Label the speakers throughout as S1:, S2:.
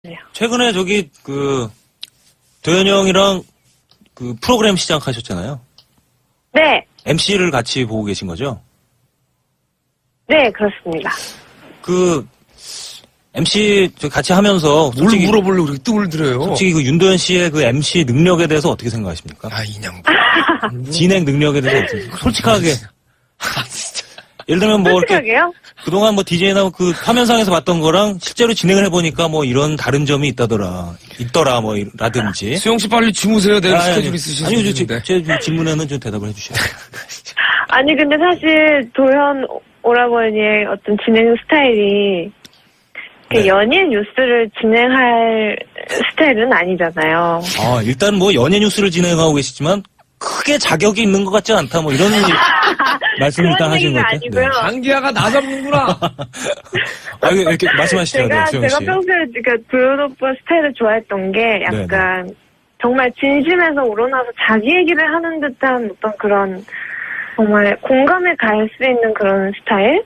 S1: 최근에 도현이 형이랑 프로그램 시작하셨잖아요.
S2: 네.
S1: MC를 같이 보고 계신 거죠?
S2: 네, 그렇습니다.
S1: MC 같이 하면서
S3: 뭘 물어보려고 그렇게 뜸을 들여요?
S1: 솔직히 윤도현 씨의 MC 능력에 대해서 어떻게 생각하십니까? 진행 능력에 대해서 어떻게 솔직하게.
S3: 진짜.
S1: 예를 들면 이렇게
S2: 솔직하게요?
S1: 그동안 DJ나 화면상에서 봤던 거랑 실제로 진행을 해보니까 이런 다른 점이 있더라 라든지.
S3: 수영 씨 빨리 주무세요. 내일 스케줄 있으신데.
S1: 아니요, 제 질문에는 좀 대답을 해주셔야 돼요.
S2: 아니, 근데 사실 도현 오라버니의 어떤 진행 스타일이
S1: 네.
S2: 연예 뉴스를 진행할 스타일은 아니잖아요.
S1: 일단 연예 뉴스를 진행하고 계시지만 크게 자격이 있는 것 같지 않다 이런 말씀을 일단 하신 것 같아요.
S2: 아니고요.
S1: 네.
S3: 장기야가 나 잡는구나.
S1: 이렇게 말씀하시죠,
S2: 제가
S1: 수영 씨.
S2: 평소에 도현 오빠 스타일을 좋아했던 게 약간 정말 진심에서 우러나서 자기 얘기를 하는 듯한 어떤 그런 정말 공감에 갈 수 있는 그런 스타일?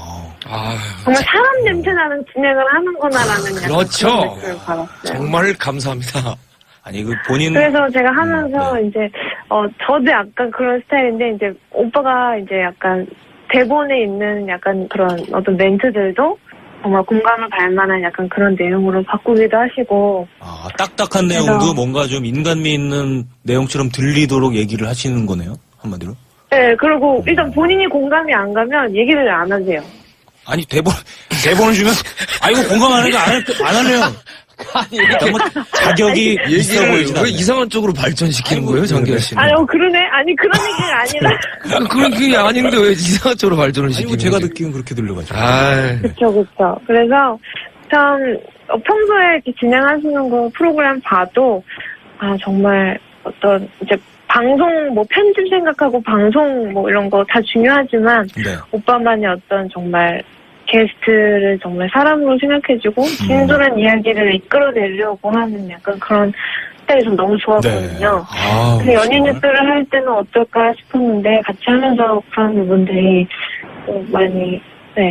S2: 정말 사람 냄새 나는 진행을 하는구나라는
S3: 그렇죠.
S2: 약간 그런 느낌을 받았어요.
S3: 정말 감사합니다.
S1: 아니 본인
S2: 그래서 제가 하면서 이제 저도 약간 그런 스타일인데 이제 오빠가 이제 약간 대본에 있는 약간 그런 어떤 멘트들도 정말 공감을 갈 만한 약간 그런 내용으로 바꾸기도 하시고.
S1: 딱딱한 내용도 뭔가 좀 인간미 있는 내용처럼 들리도록 얘기를 하시는 거네요, 한마디로.
S2: 네, 그리고 일단 본인이 공감이 안 가면 얘기를 안 하세요.
S1: 아니 대본을 주면 이거 공감 안 하니까 안 하네요.
S3: 아니,
S1: 너무 자격이 있어 보이진
S3: 왜
S1: 않아요.
S3: 이상한 쪽으로 발전시키는 거예요, 장기야 씨는?
S2: 그러네. 아니, 그런 얘기가 아니라.
S3: 그런 게 아닌데 왜 이상한 쪽으로 발전을 시키는 거예요?
S1: 제가 듣기는 그렇게 들려가지고.
S2: 그쵸. 그래서 참 평소에 이렇게 진행하시는 거 프로그램 봐도 정말 어떤 이제 방송 편집 생각하고 방송 이런 거 다 중요하지만 오빠만의 어떤 정말 게스트를 정말 사람으로 생각해주고 진솔한 이야기를 이끌어내려고 하는 약간 그런 스타일이 좀 너무 좋았거든요. 그래서 연예 뉴스를 할 때는 어떨까 싶었는데 같이 하면서 그런 부분들이 많이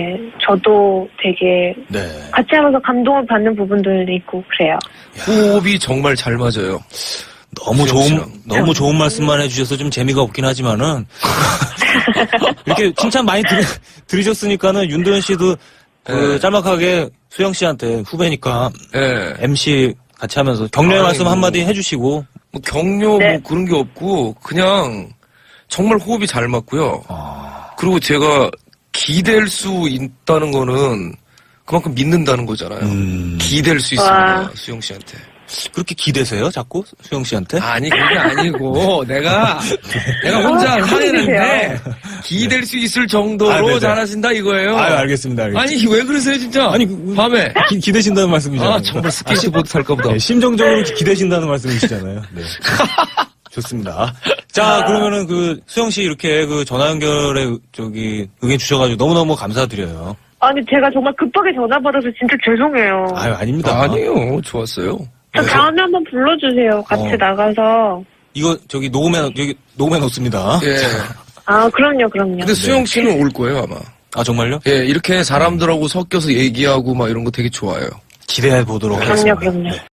S2: 저도 되게 같이 하면서 감동을 받는 부분들도 있고 그래요.
S3: 호흡이 정말 잘 맞아요.
S1: 너무 좋은 말씀만 해주셔서 좀 재미가 없긴 하지만은 이렇게 칭찬 많이 들으셨으니까는 윤도현 씨도 짤막하게 수영 씨한테 후배니까 MC 같이 하면서 격려의 말씀 한마디 해주시고.
S3: 격려 그런 게 없고 그냥 정말 호흡이 잘 맞고요. 그리고 제가 기댈 수 있다는 거는 그만큼 믿는다는 거잖아요. 기댈 수 있습니다, 수영 씨한테.
S1: 그렇게 기대세요, 자꾸? 수영 씨한테?
S3: 아니, 그게 아니고, 내가 혼자 하는데, 기댈 수 있을 정도로 잘하신다 이거예요.
S1: 알겠습니다.
S3: 아니, 왜 그러세요, 진짜?
S1: 아니,
S3: 밤에.
S1: 기대신다는 말씀이잖아요.
S3: 정말 스케이트보드 탈까 보다.
S1: 네, 심정적으로 기대신다는 말씀이시잖아요. 네. 좋습니다. 자, 그러면은 수영 씨 이렇게 전화 연결에 의견 주셔가지고 너무너무 감사드려요.
S2: 아니, 제가 정말 급하게 전화 받아서 진짜 죄송해요.
S1: 아닙니다.
S3: 아니요, 좋았어요.
S2: 저 다음에 한번 불러주세요. 같이 나가서.
S1: 이거 녹음해 놓습니다.
S3: 예.
S2: 그럼요.
S3: 근데 수영 씨는 올 거예요, 아마.
S1: 정말요?
S3: 예, 이렇게 사람들하고 섞여서 얘기하고 이런 거 되게 좋아요.
S1: 기대해 보도록 하겠습니다.
S2: 그럼요.